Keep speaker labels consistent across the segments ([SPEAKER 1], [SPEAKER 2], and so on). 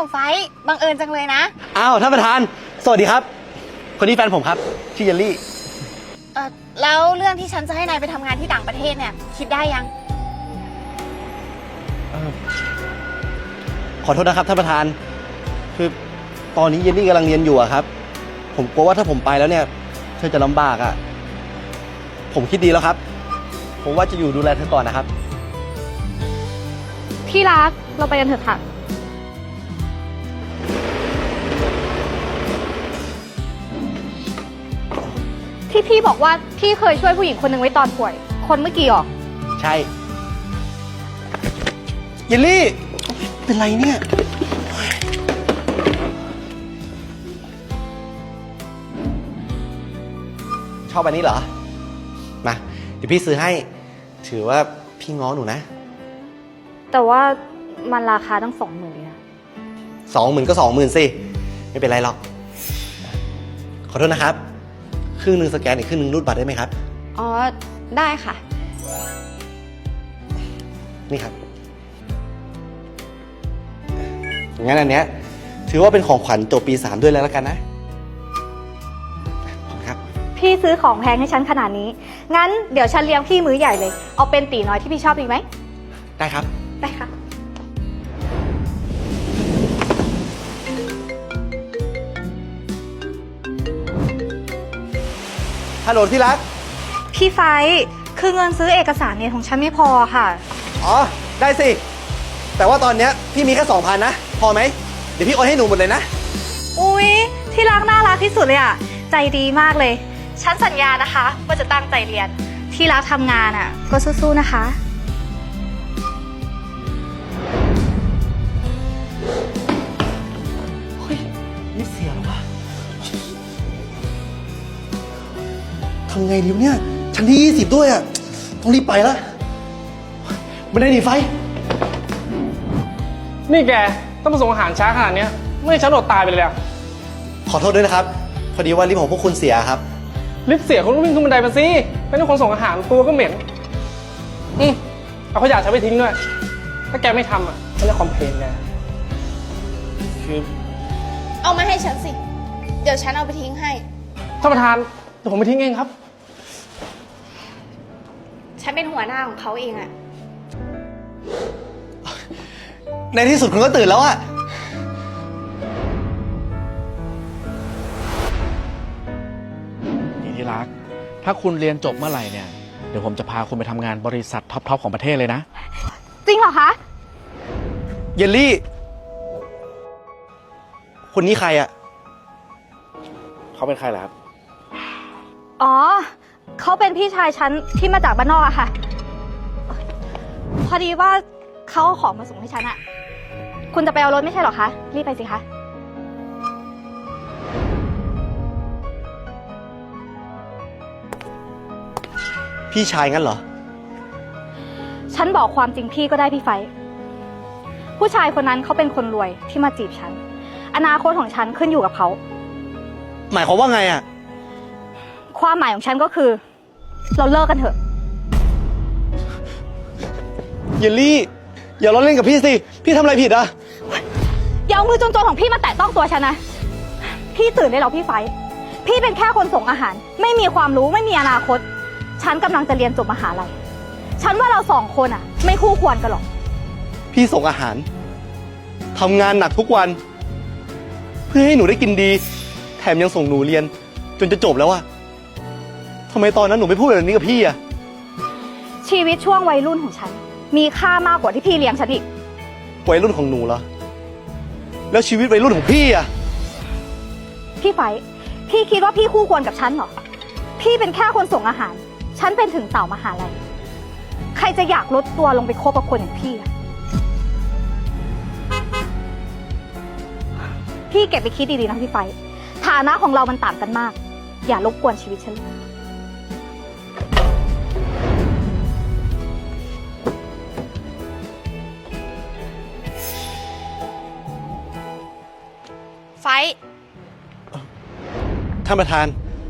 [SPEAKER 1] ไฟบังเอิญจังเลยนะ
[SPEAKER 2] อ้าวท่านประธานสวัสดีครับคนนี้แฟนผมครับชื่อเยลลี่
[SPEAKER 1] แล้วเรื่องที่ฉันจะให้นายไปทำงานที่ต่างประเทศเนี่ยคิดได้ยัง
[SPEAKER 2] ขอโทษนะครับท่านประธานคือตอนนี้เยลลี่กำลังเรียนอยู่อะครับผมกลัวว่าถ้าผมไปแล้วเนี่ยเธอจะลำบากอะผมคิดดีแล้วครับผมว่าจะอยู่ดูแลเธอก่อนนะครับ
[SPEAKER 3] ที่รักเราไปกันเถอะค่ะที่พี่บอกว่าพี่เคยช่วยผู้หญิงคนหนึ่งไว้ตอนป่วยคนเมื่อกี้หรอ
[SPEAKER 2] ใช่เยลลี่เป็นไรเนี่ยชอบอันนี้เหรอมาเดี๋ยวพี่ซื้อให้ถือว่าพี่ง้อหนูนะ
[SPEAKER 3] แต่ว่ามันราคาตั้ง20,000เลยนะ
[SPEAKER 2] 20,000ก็20,000สิไม่เป็นไรหรอกขอโทษนะครับครึ่งหนึ่งสแกนอีกครึ่งหนึ่งรูดบัตรได้ไหมครับ
[SPEAKER 1] อ๋อได้ค่ะ
[SPEAKER 2] นี่ครับงั้นอันเนี้ยถือว่าเป็นของขวัญจบปี3ด้วยแล้วกันนะขอบคุณครับ
[SPEAKER 3] พี่ซื้อของแพงให้ฉันขนาดนี้งั้นเดี๋ยวฉันเลี้ยงพี่มื้อใหญ่เลยเอาเป็นตีน้อยที่พี่ชอบดีไหม
[SPEAKER 2] ได้ครับ
[SPEAKER 3] ได้ค่ะ
[SPEAKER 2] ฮัลโหลที่รัก
[SPEAKER 3] พี่ไฟคือเงินซื้อเอกสารเนี่ยของฉันไม่พอค่ะ
[SPEAKER 2] อ๋อได้สิแต่ว่าตอนเนี้ยพี่มีแค่ 2,000 นะพอไหมเดี๋ยวพี่โอนให้หนูหมดเลยนะ
[SPEAKER 3] อุ๊ยที่รักน่ารักที่สุดเลยอ่ะใจดีมากเลยฉันสัญญานะคะว่าจะตั้งใจเรียนที่รักทำงานอ่ะก็สู้ๆนะคะ
[SPEAKER 2] เฮ้ยนี่เสียแล้ววะทำไงดีวะเนี่ยชั้นที่20ด้วยอ่ะต้องรีบไปแล้วไม่ได้หนีไฟ
[SPEAKER 4] นี่แกต้องมาส่งอาหารช้าขนาดนี้ไม่ให้ฉันอดตายไปเลยอะ
[SPEAKER 2] ขอโทษด้วยนะครับพอดีว่าลิฟต์ของพวกคุณเสียครับ
[SPEAKER 4] ลิฟต์เสียคุณก็วิ่งขึ้นบันไดมาสิเป็นคนส่งอาหารตัวก็เหม็นเอาขยะฉันไปทิ้งด้วยถ้าแกไม่ทำอ่ะฉันจะคอมเพลนแก
[SPEAKER 2] คือ
[SPEAKER 1] เอามาให้ฉันสิเดี๋ยวฉันเอาไปทิ้งให้
[SPEAKER 4] ท่านประธานเดี๋ยวผมไปทิ้งเองครับ
[SPEAKER 1] ฉันเป็นหัวหน้าของเขาเองอะ
[SPEAKER 2] ในที่สุดคุณก็ตื่นแล้วอะ
[SPEAKER 5] นี่ที่รักถ้าคุณเรียนจบเมื่อไหร่เนี่ยเดี๋ยวผมจะพาคุณไปทำงานบริษัทท็อปของประเทศเลยนะ
[SPEAKER 3] จริงเหรอคะ
[SPEAKER 2] เยลลี่คนนี้ใครอะ
[SPEAKER 5] เขาเป็นใครล่ะครับ
[SPEAKER 3] อ๋อเขาเป็นพี่ชายฉันที่มาจากบ้านนอกอะค่ะพอดีว่าเขาเอาของมาส่งให้ฉันอะคุณจะไปเอารถไม่ใช่หรอคะรีบไปสิคะ
[SPEAKER 2] พี่ชายงั้นเหรอ
[SPEAKER 3] ฉันบอกความจริงพี่ก็ได้พี่ไฟผู้ชายคนนั้นเขาเป็นคนรวยที่มาจีบฉันอนาคตของฉันขึ้นอยู่กับเขา
[SPEAKER 2] หมายความว่าไงอะ
[SPEAKER 3] ความหมายของฉันก็คือเราเลิกกันเถอะ
[SPEAKER 2] เยลลี่อย่าล้อเล่นกับพี่สิพี่ทำอะไรผิดอะ
[SPEAKER 3] อย่าเอามือจนๆของพี่มาแตะต้องตัวฉันนะพี่ตื่นได้แล้วพี่ไฟพี่เป็นแค่คนส่งอาหารไม่มีความรู้ไม่มีอนาคตฉันกำลังจะเรียนจบมหาลัยฉันว่าเรา2 คนอะไม่คู่ควรกันหรอก
[SPEAKER 2] พี่ส่งอาหารทำงานหนักทุกวันเพื่อให้หนูได้กินดีแถมยังส่งหนูเรียนจนจะจบแล้วอะทำไมตอนนั้นหนูไม่พูดแบบนี้กับพี่อะ
[SPEAKER 3] ชีวิตช่วงวัยรุ่นของฉันมีค่ามากกว่าที่พี่เลี้ยงฉันอีก
[SPEAKER 2] วัยรุ่นของหนูเหรอแล้วชีวิตวัยรุ่นของพี่อะ
[SPEAKER 3] พี่ไฟพี่คิดว่าพี่คู่ควรกับฉันเหรอพี่เป็นแค่คนส่งอาหารฉันเป็นถึงสาวมหาลัยใครจะอยากลดตัวลงไปคบกับคนอย่างพี่อะพี่เก็บไปคิดดีๆนะพี่ไฟฐานะของเรามันต่างกันมากอย่ารบกวนชีวิตฉัน
[SPEAKER 1] ไฟ
[SPEAKER 2] ท่านประธาน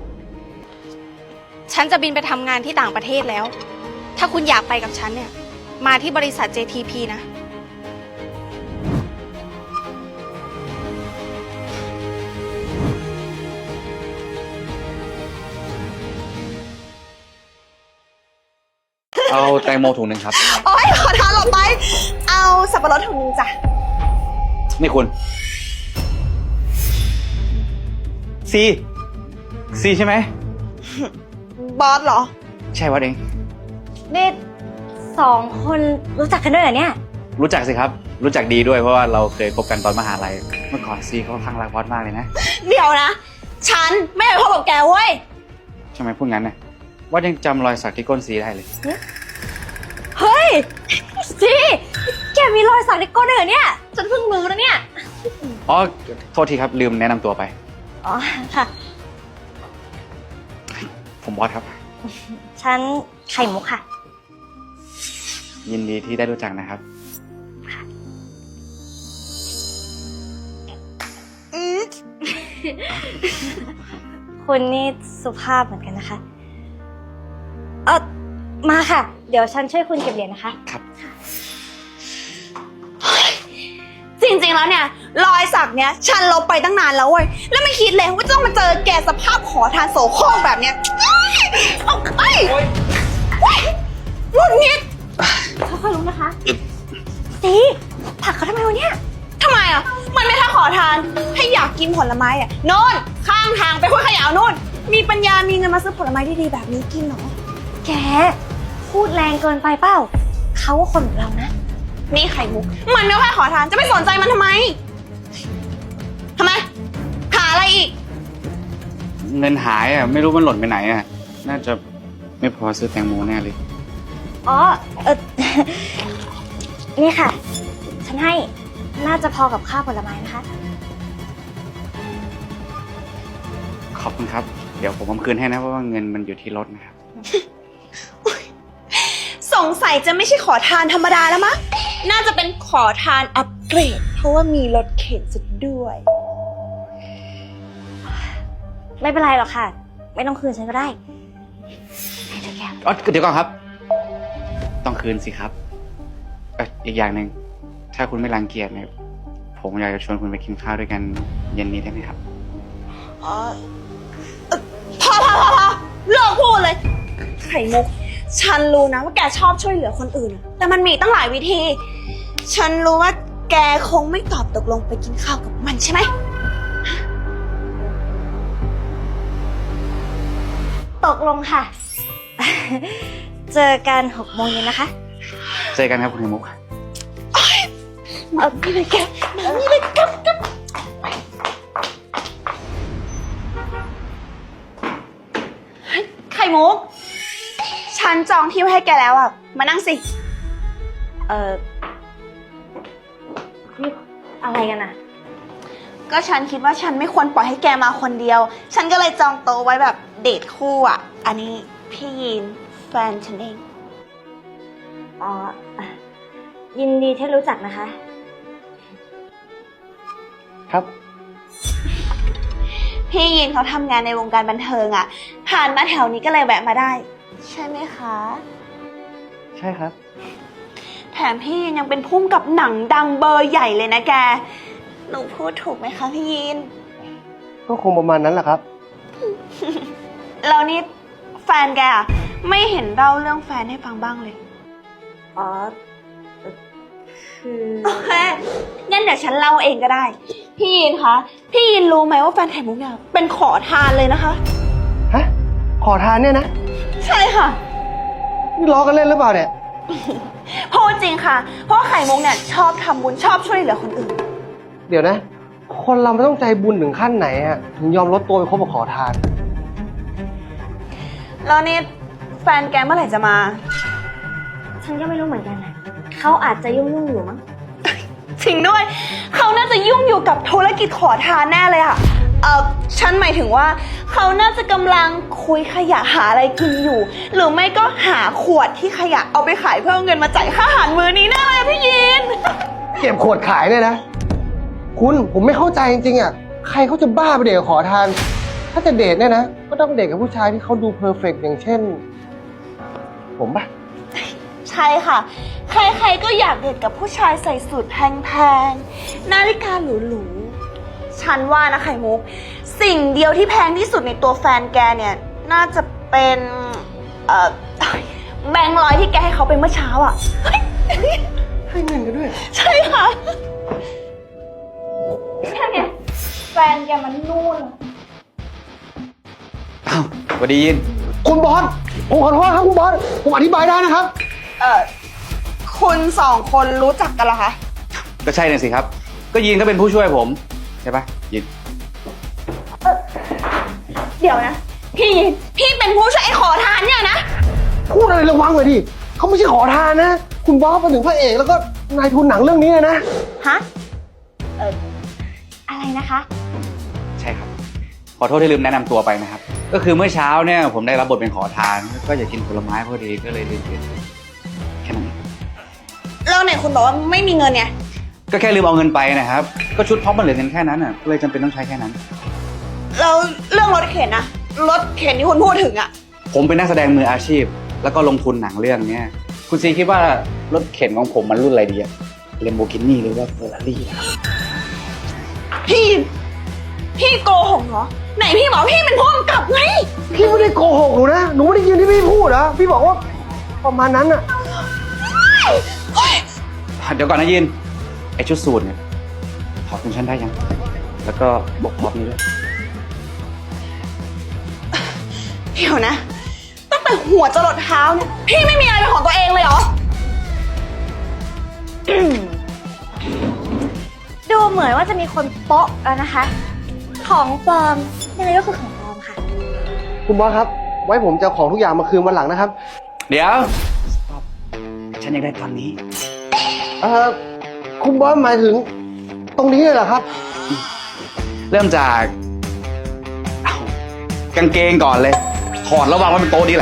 [SPEAKER 1] ฉันจะบินไปทำงานที่ต่างประเทศแล้วถ้าคุณอยากไปกับฉันเนี่ยมาที่บริษัท JTP นะ
[SPEAKER 6] เอาแตงโมถุงหนึ่งครับ
[SPEAKER 1] โอ๊ยขอทานหลบไป เอาสับปะรดถุงนึงจ้ะ
[SPEAKER 6] นี่คุณ ซีใช่ไหม
[SPEAKER 1] บอสเหรอ
[SPEAKER 6] ใช่วัดเอง
[SPEAKER 3] นี่สองคนรู้จักกันด้วยเหรอเนี่ย
[SPEAKER 6] รู้จักสิครับ รู้จักดีด้วยเพราะว่าเราเคยคบกันตอนมหาลัย เมื่อก่อนซีเขาข้างรักวัดมากเลยนะ
[SPEAKER 1] เดี๋ยวนะ ฉันไม่เคยพบกับแกเว้ย
[SPEAKER 6] ทำไมพูดงั้นเนี่ยวัดยังจำรอยสักที่ก้นซีได้เลย
[SPEAKER 3] เฮ้ยจีแกมีรอยสักในก้นด้วยเหรอเนี่ย ฉันเพิ่งรู้นะเนี่ย
[SPEAKER 6] อ๋อ โทษทีครับลืมแนะนำตัวไป
[SPEAKER 3] อ๋อ ค่ะ
[SPEAKER 6] ผมบอสครับ
[SPEAKER 3] ฉันไข่มุกค่ะ
[SPEAKER 6] ยินดีที่ได้รู้จักนะครับ
[SPEAKER 3] คุณนี่สุภาพเหมือนกันนะคะ มาค่ะ เดี๋ยวฉันช่วยคุณเก็บเหรียญนะคะ
[SPEAKER 6] ครับ
[SPEAKER 1] จริงๆแล้วเนี่ยรอยสักเนี้ยฉันลบไปตั้งนานแล้วเว้ย แล้วไม่คิดเลยว่าจะต้องมาเจอแกสภาพขอทานโสโครกแบบเนี้ยเอ้ยหงุดหงิด
[SPEAKER 3] ค่อยๆลุกนะคะสีผลักเขาทำไมวะเนี่ย
[SPEAKER 1] ทำไมอ่ะ มันไม่แค่ขอทาน ให้อยากกินผลไม้อ่ะโน่นข้างทางไปห้วยขยะโน่น มีปัญญามีเงินมาซื้อผลไม้ดีๆแบบนี้กินเหรอ
[SPEAKER 3] แก พูดแรงเกินไปเปล่า เขาก็คนเหมือนเรานะ
[SPEAKER 1] นี่ไข่มุก มันไม่ค่อยขอทาน จะไปสนใจมันทำไม ทำไม หาอะไรอีก
[SPEAKER 6] เงินหายอ่ะไม่รู้มันหล่นไปไหนอ่ะ น่าจะไม่พอซื้อแตงโมแน่เลย
[SPEAKER 3] อ๋อ นี่ค่ะ ฉันให้ น่าจะพอกับข้าวผลไม้นะคะ
[SPEAKER 6] ขอบคุณครับ เดี๋ยวผมเอาคืนให้นะเพราะว่าเงินมันอยู่ที่รถนะครับ
[SPEAKER 1] สงสัยจะไม่ใช่ขอทานธรรมดาแล้วมั้ง น่าจะเป็นขอทานอัปเกรด เพราะว่ามีรถเข็นสุดด้วย
[SPEAKER 3] ไม่เป็นไรหรอกค่ะ ไม่ต้องคืนฉันก็ได้ให้เธอแก
[SPEAKER 6] อ๋อเดี๋ยวก่อนครับ ต้องคืนสิครับอีกอย่างหนึ่งถ้าคุณไม่รังเกียจเนี่ยผมอยากจะชวนคุณไปกินข้าวด้วยกันเย็นนี้ได้ไหมครับ
[SPEAKER 1] พอเลิกพูดเลย ไข่มุก ฉันรู้นะว่าแกชอบช่วยเหลือคนอื่นอะแต่มันมีตั้งหลายวิธี ฉันรู้ว่าแกคงไม่ตอบตกลงไปกินข้าวกับมันใช่ไหม
[SPEAKER 3] ตกลงค่ะ เจอกัน6 โมงเย็นนะคะ
[SPEAKER 6] เจอกันครับคุณไข่มุก
[SPEAKER 1] นี่เลยแกนี่เลยกับไข่มุก ฉันจองที่ไว้ให้แกแล้วอ่ะ มานั่งสิ
[SPEAKER 3] นี่อะไรกันอะ
[SPEAKER 1] ก็ฉันคิดว่าฉันไม่ควรปล่อยให้แกมาคนเดียว ฉันก็เลยจองโต๊ะไว้แบบเดทคู่อ่ะ อันนี้พี่ยีนแฟนฉันเอง
[SPEAKER 3] อ๋อ ยินดีที่รู้จักนะคะ
[SPEAKER 2] ครับ
[SPEAKER 1] พี่ยีนเขาทำงานในวงการบันเทิงอ่ะ ผ่านมาแถวนี้ก็เลยแวะมาได้ ใช่ไหมคะ
[SPEAKER 2] ใช่ครับ
[SPEAKER 1] แถมพี่ยีนยังเป็นพุ่มกับหนังดังเบอร์ใหญ่เลยนะแก หนูพูดถูกไหมคะพี่ยีน
[SPEAKER 2] ก็คงประมาณนั้นแหละครับ
[SPEAKER 1] แล้วนี่แฟนแกอะไม่เห็นเล่าเรื่องแฟนให้ฟังบ้างเลย
[SPEAKER 3] อ๋อ คือ
[SPEAKER 1] โอเค งั้นเดี๋ยวฉันเล่าเองก็ได้ พี่ยีนคะ พี่ยีนรู้ไหมว่าแฟนไข่มุกเนี่ยเป็นขอทานเลยนะคะ
[SPEAKER 2] ฮะ ขอทานเนี่ยนะ
[SPEAKER 1] ใช่ค่ะ
[SPEAKER 2] นี่ล้อกันเล่นหรือเปล่าเนี่ย
[SPEAKER 1] พูดจริงค่ะ เพราะไข่มุกเนี่ยชอบทำบุญชอบช่วยเหลือคนอื่น
[SPEAKER 2] เดี๋ยวนะ คนเราไม่ต้องใจบุญถึงขั้นไหนอะถึงยอมลดตัวไปคบกับขอทาน
[SPEAKER 1] แล้วนี่แฟนแกเมื่อไหร่จะมา
[SPEAKER 3] ฉันก็ไม่รู้เหมือนกันนะเขาอาจจะยุ่งๆอยู่มั้ง
[SPEAKER 1] จริงด้วย เขาน่าจะยุ่งอยู่กับธุรกิจขอทานแน่เลยค่ะ ฉันหมายถึงว่าเขาน่าจะกำลังคุยขยะหาอะไรกินอยู่ หรือไม่ก็หาขวดที่ขยะเอาไปขายเพื่อเอาเงินมาจ่ายค่าอาหารมื้อนี้แน่เลยพี่ยิน
[SPEAKER 2] เก็บขวดขายเนี่ยนะ คุณผมไม่เข้าใจจริงๆอะใครเขาจะบ้าไปเดทกับขอทาน ถ้าจะเดทเนี่ยนะ ก็ต้องเดทกับผู้ชายที่เขาดูเพอร์เฟกต์อย่างเช่น ผมปะ
[SPEAKER 1] ใช่ค่ะ ใครๆก็อยากเดทกับผู้ชายใส่สูทแพงๆ นาฬิกาหรูๆ ฉันว่านะไข่มุก สิ่งเดียวที่แพงที่สุดในตัวแฟนแกเนี่ย น่าจะเป็นแบงค์ร้อยที่แกให้เขาไปเมื่อเช้าอ่ะ
[SPEAKER 2] ให้เงินกันด้วย
[SPEAKER 1] ใช่ค่ะแค่เนี้ยแฟนแกมันนู่น
[SPEAKER 6] อ้าวสวัสดียิน
[SPEAKER 2] คุณบอส ผมขอโทษครับคุณบอส ผมอธิบายได้นะครับ
[SPEAKER 1] คุณสองคนรู้จักกันเหรอคะ
[SPEAKER 6] ก็ใช่น่ะสิครับ ก็ยินก็เป็นผู้ช่วยผมใช่ปะยิน
[SPEAKER 1] เดี๋ยวนะ พี่เป็นผู้ช่วยไอ้ขอทานเนี่ยนะ
[SPEAKER 2] พูดอะไรระวังหน่อยดิเขาไม่ใช่ขอทานนะ คุณบอสเป็นถึงพระเอกแล้วก็นายทุนหนังเรื่องนี้เลยนะ
[SPEAKER 3] ฮะ อะไรนะคะ
[SPEAKER 6] ใช่ครับ ขอโทษที่ลืมแนะนำตัวไปนะครับ ก็คือเมื่อเช้าเนี่ยผมได้รับบทเป็นขอทาน ก็อยากกินผลไม้พอดีก็เลยลืมเกินแค่นั้นเอง
[SPEAKER 1] แล้วไหนคุณบอกว่าไม่มีเงินไง
[SPEAKER 6] ก็แค่ลืมเอาเงินไปนะครับ ก็ชุดพร็อพมันเหลือเงินแค่นั้นอ่ะก็เลยจำเป็นต้องใช้แค่นั้น
[SPEAKER 1] แล้วเรื่องรถเข็นนะรถเข็นที่คุณพูดถึงอะ
[SPEAKER 6] ผมเป็นนักแสดงมืออาชีพ แล้วก็ลงทุนหนังเรื่องเนี้ยคุณซีคิดว่ารถเข็นของผมมันรุ่นอะไรดีอะเลมโบกินี่หรือว่าเฟอร์รารี่ครับ
[SPEAKER 1] พี่โกหกเหรอ ไหนพี่บอกพี่เป็นผู้กำกับไง
[SPEAKER 2] พี่ไม่ได้โกหกหนูนะ หนูไม่ได้ยินที่พี่พูดนะ พี่บอกว่าประมาณนั้นอะ
[SPEAKER 6] เดี๋ยวก่อนนะยิน ไอชุดสูทเนี่ยถอดคุณฉันได้ยัง แล้วก็บอกพร็อพนี้ด้วย
[SPEAKER 1] เดี๋ยวนะ ตั้งแต่หัวจรดเท้าเนี่ย พี่ไม่มีอะไรเป็นของตัวเองเลยเหรอ
[SPEAKER 3] ดูเหมือนว่าจะมีคนโป๊ะแล้วนะคะ ของปลอมยังไงก็คือของปลอมค่ะ
[SPEAKER 2] คุณบอสครับ ไว้ผมจะเอาของทุกอย่างมาคืนวันหลังนะครับ
[SPEAKER 6] เดี๋ยว stop ฉันอยากได้ตอนนี้
[SPEAKER 2] คุณบอสหมายถึงตรงนี้เลยเหรอครับ
[SPEAKER 6] เริ่มจากอ้าวกางเกงก่อนเลย ถอดแล้ววางไว้บนโต๊ะนี้แหละ